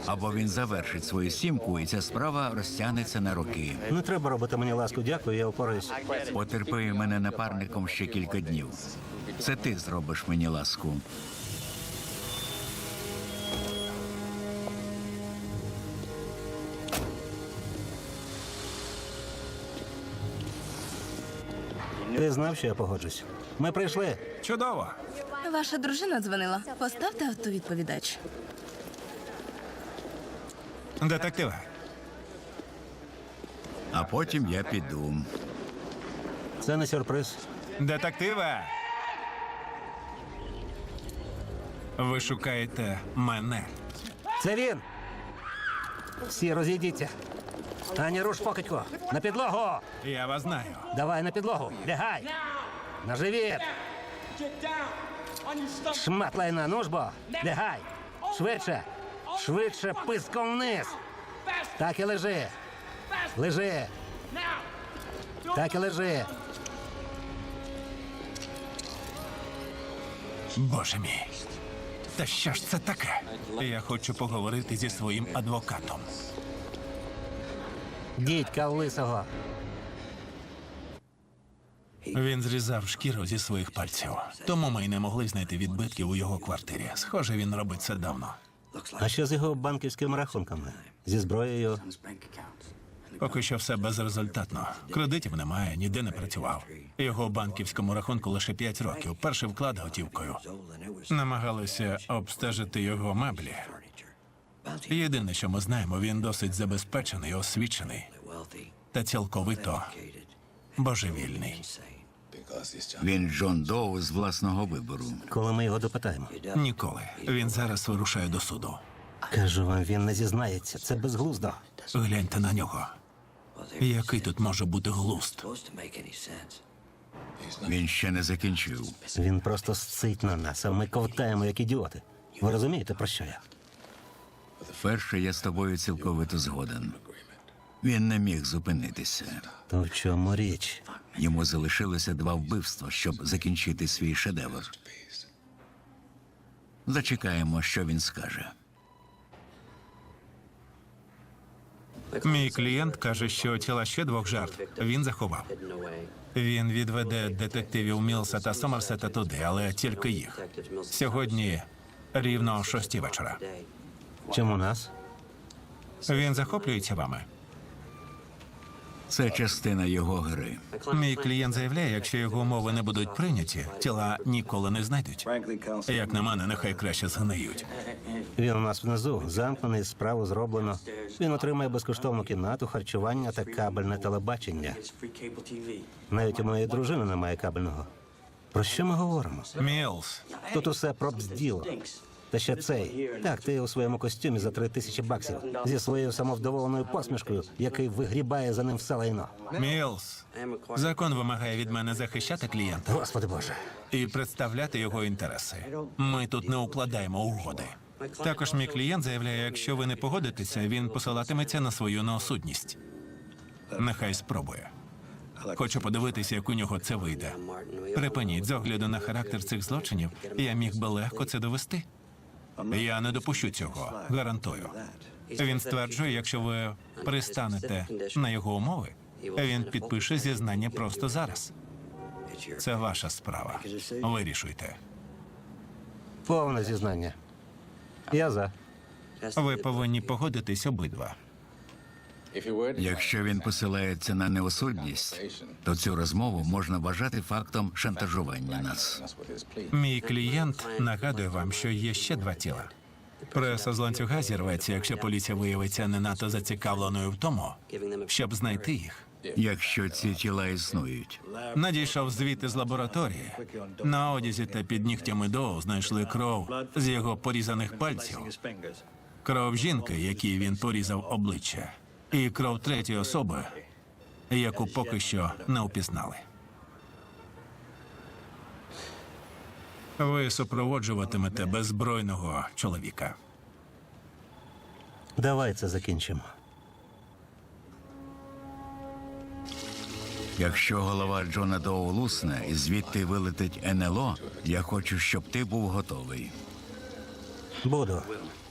Або він завершить свою сімку, і ця справа розтягнеться на роки. Не треба робити мені ласку, дякую, я впораюсь. Потерпи мене напарником ще кілька днів. Це ти зробиш мені ласку. Ти знав, що я погоджусь? Ми прийшли. Чудово. Ваша дружина дзвонила. Поставте автовідповідач. Детективе, А потім я піду. Це не сюрприз. детективе! Ви шукаєте мене. Це він! Всі розійдіться. Ані руш покидько. На підлогу! Я вас знаю. Давай на підлогу. Лягай! На живіт! Шмат лайна, ну ж бо! Лягай! Швидше! Швидше писком вниз! Так і лежи! Лежи! Так і лежи! Боже мій. Та що ж це таке? Я хочу поговорити зі своїм адвокатом. Дідька лисого! Він зрізав шкіру зі своїх пальців. Тому ми й не могли знайти відбитків у його квартирі. Схоже, він робить це давно. А що з його банківськими рахунками? Зі зброєю? Поки що все безрезультатно. Кредитів немає, ніде не працював. Його банківському рахунку лише 5 років. Перший вклад готівкою. Намагалися обстежити його меблі. Єдине, що ми знаємо, він досить забезпечений, освічений та цілковито божевільний. Він Джон Доу з власного вибору. Коли ми його допитаємо? Ніколи. Він зараз вирушає до суду. Кажу вам, він не зізнається. Це безглуздо. Гляньте на нього. Який тут може бути глузд? Він ще не закінчив. Він просто сцить на нас, а ми ковтаємо, як ідіоти. Ви розумієте, про що я? Перше, я з тобою цілковито згоден. Він не міг зупинитися. То в чому річ? Йому залишилося 2 вбивства, щоб закінчити свій шедевр. Зачекаємо, що він скаже. Мій клієнт каже, що тіла ще 2 жертв він заховав. Він відведе детективів Мілса та Сомерсета туди, але тільки їх. Сьогодні рівно о 6 вечора. Чому нас? Він захоплюється вами. Це частина його гри. Мій клієнт заявляє, якщо його умови не будуть прийняті, тіла ніколи не знайдуть. Як на мене, нехай краще згниють. Він у нас внизу, замкнений, справу зроблено. Він отримає безкоштовну кімнату, харчування та кабельне телебачення. Навіть у моєї дружини немає кабельного. Про що ми говоримо? Мілс, Тут усе про бзділо. Та ще цей. Так, ти у своєму костюмі за 3000 баксів. Зі своєю самовдоволеною посмішкою, який вигрібає за ним все лайно. Мілс, закон вимагає від мене захищати клієнта Господи Боже. і представляти його інтереси. Ми тут не укладаємо угоди. Також мій клієнт заявляє, якщо ви не погодитеся, він посилатиметься на свою неосудність. Нехай спробує. Хочу подивитися, як у нього це вийде. Припиніть, з огляду на характер цих злочинів, я міг би легко це довести. Я не допущу цього, гарантую. Він стверджує, якщо ви пристанете на його умови, він підпише зізнання просто зараз. Це ваша справа. Вирішуйте. Повне зізнання. Я за. Ви повинні погодитись обидва. Якщо він посилається на неосудність, то цю розмову можна вважати фактом шантажування нас. Мій клієнт нагадує вам, що є ще 2 тіла. Преса з ланцюга зірветься, якщо поліція виявиться не надто зацікавленою в тому, щоб знайти їх. Якщо ці тіла існують. Надійшов звіт із лабораторії. На одязі та під нігтями Доу знайшли кров з його порізаних пальців. Кров жінки, якій він порізав обличчя. І кров 3-ї особи, яку поки що не впізнали. Ви супроводжуватимете беззбройного чоловіка. Давай це закінчимо. Якщо голова Джона Доу лусне і звідти вилетить НЛО, я хочу, щоб ти був готовий. Буду.